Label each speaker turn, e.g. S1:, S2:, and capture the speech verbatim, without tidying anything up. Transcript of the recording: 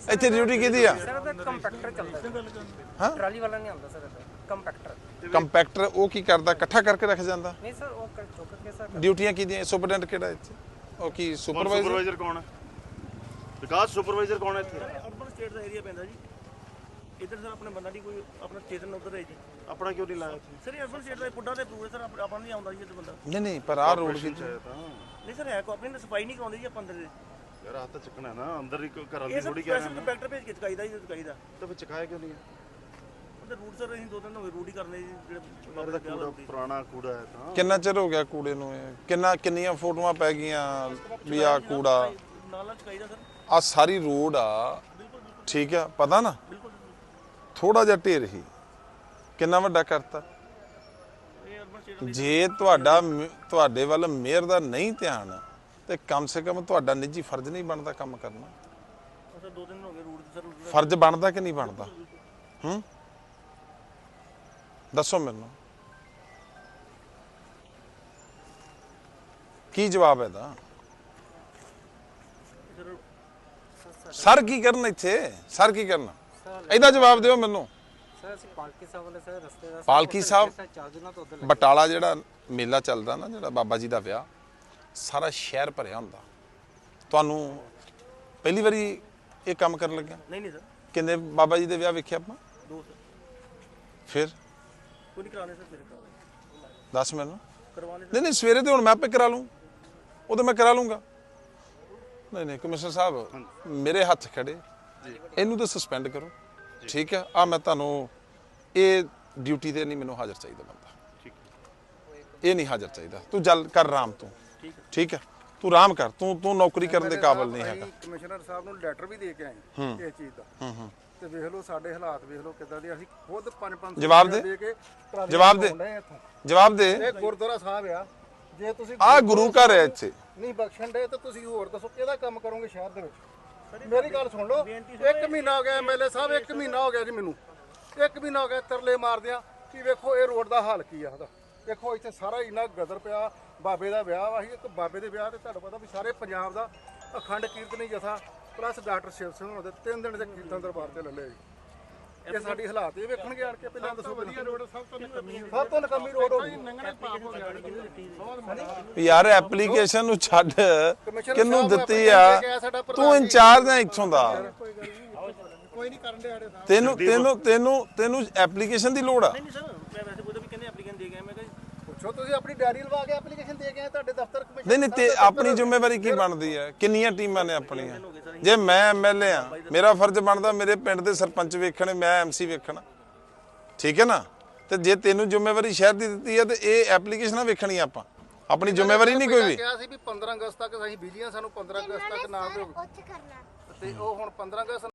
S1: ਇੱਥੇ ਡਿਊਟੀ ਕਿਹਦੀ ਆ?
S2: ਸਰ ਉਹਦਾ ਕੰਪੈਕਟਰ ਚੱਲਦਾ
S1: ਹਾਂ
S2: ਟਰਾਲੀ ਵਾਲਾ ਨਹੀਂ ਆਉਂਦਾ ਸਰ ਕੰਪੈਕਟਰ
S1: ਕੰਪੈਕਟਰ ਉਹ ਕੀ ਕਰਦਾ? ਇਕੱਠਾ ਕਰਕੇ ਰੱਖ ਜਾਂਦਾ?
S2: ਨਹੀਂ ਸਰ ਉਹ ਚੁੱਕ ਕੇ ਸਰ
S1: ਡਿਊਟੀਆਂ ਕਿਹਦੀਆਂ? ਸੁਪਰਡੈਂਟ ਕਿਹੜਾ ਇੱਥੇ? ਉਹ ਕੀ ਸੁਪਰਵਾਈਜ਼ਰ?
S3: ਸੁਪਰਵਾਈਜ਼ਰ ਕੌਣ ਹੈ? ਵਿਕਾਸ ਸੁਪਰਵਾਈਜ਼ਰ ਕੌਣ ਹੈ ਇੱਥੇ?
S4: ਅਰਬਨ ਸਟੇਟ ਦਾ ਏਰੀਆ ਪੈਂਦਾ ਜੀ। ਇੱਧਰ ਸਰ ਆਪਣੇ ਬੰਦਾ ਨਹੀਂ ਕੋਈ ਆਪਣਾ ਸਟੇਸ਼ਨ ਉਧਰ ਹੈ ਜੀ।
S3: ਆਪਣਾ ਕਿਉਂ ਨਹੀਂ ਲਾਇਆ ਇੱਥੇ?
S4: ਸਰ ਅਰਬਨ ਸਟੇਟ ਦਾ ਪੁੱਡਾ ਤੇ ਅਪਰੂਵ ਹੈ ਸਰ ਆਪਾਂ ਨਹੀਂ ਆਉਂਦਾ ਜੀ ਇੱਥੇ ਬੰਦਾ।
S1: ਨਹੀਂ ਨਹੀਂ ਪਰ ਆਹ ਰੋਡ ਕੀ
S4: ਨਹੀਂ ਸਰ ਹੈ ਕੋ ਆਪਣੀ ਸਫਾਈ ਨਹੀਂ ਕਰਾਉਂਦੇ ਜੀ ਆਪਾਂ ਅੰਦਰ ਦੇ।
S3: ਯਾਰ ਹੱਥ ਚੱਕਣਾ ਨਾ ਅੰਦਰ ਹੀ ਘਰਾਂ
S4: ਇਹ
S3: ਦੀ
S4: ਸਰ
S3: ਥੋੜੀ ਕਹਿ ਰਹੇ
S4: ਸਪੈਸ਼ਲ
S3: ਨੇ
S4: ਕੰਪੈਕਟਰ ਭੇਜ ਕੇ ਚਕਾਈਦਾ ਜੀ ਚਕਾਈਦਾ।
S3: ਤਾਂ ਫਿਰ ਚਕਾਇਆ ਕਿਉਂ ਨਹੀਂ ਹੈ?
S4: ਉਹਦੇ ਰੂਟ ਸਰ ਅਸੀਂ ਦੋ ਦਿਨ ਹੋ ਗਏ ਰੂਟ ਹੀ ਕਰਨੇ ਜੀ ਜਿਹੜੇ
S3: ਯਾਰ ਇਹਦਾ ਕੂੜਾ ਪੁਰਾਣਾ ਕੂੜਾ ਹੈ ਤਾਂ
S1: ਕਿੰਨਾ ਚਿਰ ਹੋ ਗਿਆ ਕੂੜੇ ਨੂੰ? ਇਹ ਕਿੰਨਾ ਕਿੰਨੀਆਂ ਫੋਟੋਆਂ ਪੈ ਗਈਆਂ ਵੀ ਆ ਕੂੜਾ
S4: ਨਾਲ ਨਾਲ ਚਕਾਈਦਾ ਸਰ।
S1: ਆ ਸਾਰੀ ਰੋਡ ਆ, ਠੀਕ ਆ, ਪਤਾ ਨਾ ਥੋੜਾ ਜਿਹਾ ਢੇਰ ਹੀ ਕਿੰਨਾ ਵੱਡਾ ਕਰਤਾ।
S4: ਇਹ ਅਰਬਨ ਸਟੇਟ
S1: ਜੇ ਤੁਹਾਡਾ ਤੁਹਾਡੇ ਵੱਲ ਮੇਅਰ ਦਾ ਨਹੀਂ ਧਿਆਨ ਤੇ ਕਮ ਸੇ ਕਮ ਤੁਹਾਡਾ ਨਿੱਜੀ ਫਰਜ਼ ਨਹੀਂ ਬਣਦਾ ਕੰਮ ਕਰਨਾ?
S4: ਸਰ ਦੋ ਦਿਨ ਹੋ ਗਏ ਰੂਟ ਸਰ
S1: ਫਰਜ਼ ਬਣਦਾ ਕਿ ਨਹੀਂ ਬਣਦਾ? ਹੂੰ ਦੱਸੋ ਮੈਨੂੰ ਕੀ ਜਵਾਬ ਹੈ ਦਾ? ਸਰ ਕੀ ਕਰਨ ਇੱਥੇ? ਸਰ ਕੀ ਕਰਨਾ? ਇਹਦਾ ਜਵਾਬ ਦਿਓ ਮੈਨੂੰ।
S2: ਸਰ ਅਸੀਂ ਪਾਲਕੀ ਸਾਹਿਬ ਵਾਲੇ ਸਰ ਰਸਤੇ ਦਾ
S1: ਪਾਲਕੀ ਸਾਹਿਬ
S2: ਚਾਰ ਦਿਨਾਂ ਤੋਂ ਉਧਰ
S1: ਬਟਾਲਾ ਜਿਹੜਾ ਮੇਲਾ ਚੱਲਦਾ ਨਾ, ਜਿਹੜਾ ਬਾਬਾ ਜੀ ਦਾ ਵਿਆਹ, ਸਾਰਾ ਸ਼ਹਿਰ ਭਰਿਆ ਹੁੰਦਾ। ਤੁਹਾਨੂੰ ਪਹਿਲੀ ਵਾਰੀ ਇਹ ਕੰਮ ਕਰਨ ਲੱਗਿਆ?
S4: ਨਹੀਂ ਨਹੀਂ ਸਰ
S1: ਕਿੰਨੇ ਬਾਬਾ ਜੀ ਦੇ ਵਿਆਹ ਵੇਖਿਆ ਆਪਾਂ?
S4: ਦੋ ਸਰ
S1: ਫਿਰ
S4: ਕੋਈ ਨਹੀਂ ਕਰਾਣੇ ਸਰ ਫਿਰ ਕਰਾਣੇ
S1: ਦੱਸ ਮੈਨੂੰ।
S4: ਕਰਵਾਣੇ
S1: ਨਹੀਂ ਨਹੀਂ ਸਵੇਰੇ ਤੇ ਹੁਣ ਮੈਂ ਆਪੇ ਕਰਾ ਲੂੰ, ਉਹ ਤਾਂ ਮੈਂ ਕਰਾ ਲੂੰਗਾ। ਨਹੀਂ ਨਹੀਂ ਕਮਿਸ਼ਨਰ ਸਾਹਿਬ ਮੇਰੇ ਹੱਥ ਖੜੇ, ਇਹਨੂੰ ਤਾਂ ਸਸਪੈਂਡ ਕਰੋ, ਠੀਕ ਹੈ? ਆ ਮੈਂ ਤੁਹਾਨੂੰ ਇਹ ਡਿਊਟੀ ਤੇ ਨਹੀਂ ਮੈਨੂੰ ਹਾਜ਼ਰ ਚਾਹੀਦਾ ਬੰਦਾ,
S3: ਠੀਕ
S1: ਇਹ ਨਹੀਂ ਹਾਜ਼ਰ ਚਾਹੀਦਾ। ਤੂੰ ਜਲ ਕਰ ਆਰਾਮ ਤੂੰ, ਠੀਕ ਹੈ? ਤੂੰ ਆਰਾਮ ਕਰ, ਤੂੰ ਤੂੰ ਨੌਕਰੀ ਕਰਨ ਦੇ ਕਾਬਿਲ ਨਹੀਂ ਹੈਗਾ।
S5: ਕਮਿਸ਼ਨਰ ਸਾਹਿਬ ਨੂੰ ਲੈਟਰ ਵੀ ਦੇ ਕੇ ਆਏ ਇਸ ਚੀਜ਼ ਦਾ।
S1: ਹੂੰ ਹੂੰ
S5: ਤੇ ਵੇਖ ਲਓ ਸਾਡੇ ਹਾਲਾਤ ਵੇਖ ਲਓ ਕਿੱਦਾਂ ਦੇ। ਅਸੀਂ ਖੁਦ ਪੰਜ ਪੰਜ
S1: ਜਵਾਬ ਦੇ।
S5: ਕੇ ਟਰਾਲੀਆਂ
S1: ਜਵਾਬ ਦੇ।
S5: ਚਲਾਉਣ ਡਏ ਇੱਥੋਂ।
S1: ਜਵਾਬ ਦੇ।
S5: ਇਹ ਗੁਰਦੁਆਰਾ ਸਾਹਿਬ ਆ, ਜੇ ਤੁਸੀਂ
S1: ਆ ਗੁਰੂ ਘਰ ਹੈ ਇੱਥੇ।
S5: ਨਹੀਂ ਬਖਸ਼ਣ ਦੇ ਤਾਂ ਤੁਸੀਂ ਹੋਰ ਦੱਸੋ ਕਿਹਦਾ ਕੰਮ ਕਰੋਗੇ ਸ਼ਹਿਰ ਦੇ ਵਿੱਚ? ਮੇਰੀ ਗੱਲ ਸੁਣ ਲਓ, ਇੱਕ ਮਹੀਨਾ ਹੋ ਗਿਆ ਐਮਐਲਏ ਸਾਹਿਬ, ਇੱਕ ਮਹੀਨਾ ਹੋ ਗਿਆ ਜੀ ਮੈਨੂੰ, ਇੱਕ ਮਹੀਨਾ ਹੋ ਗਿਆ ਤਰਲੇ ਮਾਰਦਿਆਂ ਕਿ ਵੇਖੋ ਇਹ ਰੋਡ ਦਾ ਹਾਲ ਕੀ ਆ ਉਹਦਾ। ਦੇਖੋ ਇੱਥੇ ਸਾਰਾ ਇੰਨਾ ਗਦਰ ਪਿਆ। ਬਾਬੇ ਦਾ ਵਿਆਹ ਵਾ, ਇੱਕ ਬਾਬੇ ਦੇ ਵਿਆਹ ਤੇ ਤੁਹਾਨੂੰ ਪਤਾ ਵੀ ਸਾਰੇ ਪੰਜਾਬ ਦਾ ਅਖੰਡ ਕੀਰਤਨੀ ਜਥਾ ਪਲੱਸ ਡਾਕਟਰ ਸ਼ਿਵ ਸਿੰਘ ਹੋਣਾ ਦੇ ਤਿੰਨ ਦਿਨ ਦੇ ਕੀਰਤਨ ਦਰਬਾਰ ਤੇ ਲੱਲੇ ਜੀ। ਇਹ ਸਾਡੀ ਹਾਲਾਤ ਇਹ ਵੇਖਣਗੇ ਆਣ ਕੇ। ਪਹਿਲਾਂ ਦੱਸੋ ਵਧੀਆ ਰੋਡ ਸਭ ਤੋਂ ਸਭ ਤੋਂ ਨਕਮੀ ਰੋਡ ਹੋ ਗਈ।
S1: ਯਾਰ ਐਪਲੀਕੇਸ਼ਨ ਨੂੰ ਛੱਡ, ਕਿਹਨੂੰ ਦਿੱਤੀ ਆ? ਤੂੰ ਇੰਚਾਰਜ ਹੈ ਇੱਥੋਂ ਦਾ,
S5: ਕੋਈ ਨਹੀਂ ਕਰਨ ਦੇ ਆੜੇ ਸਾਹਿਬ।
S1: ਤੈਨੂੰ ਤੈਨੂੰ ਤੈਨੂੰ ਤੈਨੂੰ ਐਪਲੀਕੇਸ਼ਨ ਦੀ ਲੋੜ ਆ?
S4: ਨਹੀਂ ਸਰ ਮੈਂ ਵੈਸੇ ਕੋਈ ਵੀ ਕਹਿੰਦੇ ਐਪਲੀਕੈਂਟ ਦੇ ਗਏ ਮੈਂ ਕਿਹਾ
S5: ਪੁੱਛੋ ਤੁਸੀਂ ਆਪਣੀ ਡਾਇਰੀ ਲਵਾ ਕੇ ਐਪਲੀਕੇਸ਼ਨ ਦੇ ਕੇ ਆਏ ਤੁਹਾਡੇ ਦਫ਼ਤਰ ਕਮਿਸ਼ਨ।
S1: ਨਹੀਂ ਨਹੀਂ ਤੇ ਆਪਣੀ ਜ਼ਿੰਮੇਵਾਰੀ ਕੀ ਬਣਦੀ ਹੈ? ਕਿੰਨੀਆਂ ਟੀਮਾਂ ਨੇ ਆਪਣੀਆਂ? ਜੇ ਮੈਂ ਐਮਐਲਏ ਆ, ਮੇਰਾ ਫਰਜ਼ ਬਣਦਾ ਮੇਰੇ ਪਿੰਡ ਦੇ ਸਰਪੰਚ ਵੇਖਣੇ, ਮੈਂ ਐਮਸੀ ਵੇਖਣਾ, ਠੀਕ ਹੈ ਨਾ? ਤੇ ਜੇ ਤੈਨੂੰ ਜ਼ਿੰਮੇਵਾਰੀ ਸ਼ਹਿਰ ਦੀ ਦਿੱਤੀ ਹੈ ਤੇ ਇਹ ਐਪਲੀਕੇਸ਼ਨਾਂ ਵੇਖਣੀ ਆਪਾਂ, ਆਪਣੀ ਜ਼ਿੰਮੇਵਾਰੀ ਨਹੀਂ ਕੋਈ ਵੀ।
S5: ਕਿਹਾ ਸੀ ਵੀ ਪੰਦਰਾਂ ਅਗਸਤ ਤੱਕ ਅਸੀਂ ਬਿਜਲੀਆਂ, ਸਾਨੂੰ ਪੰਦਰਾਂ ਅਗਸਤ ਤੱਕ ਨਾ ਦਿਓ
S6: ਉੱਥੇ ਕਰਨਾ
S5: ਤੇ ਉਹ ਹੁਣ ਪੰਦਰਾਂ ਅਗਸਤ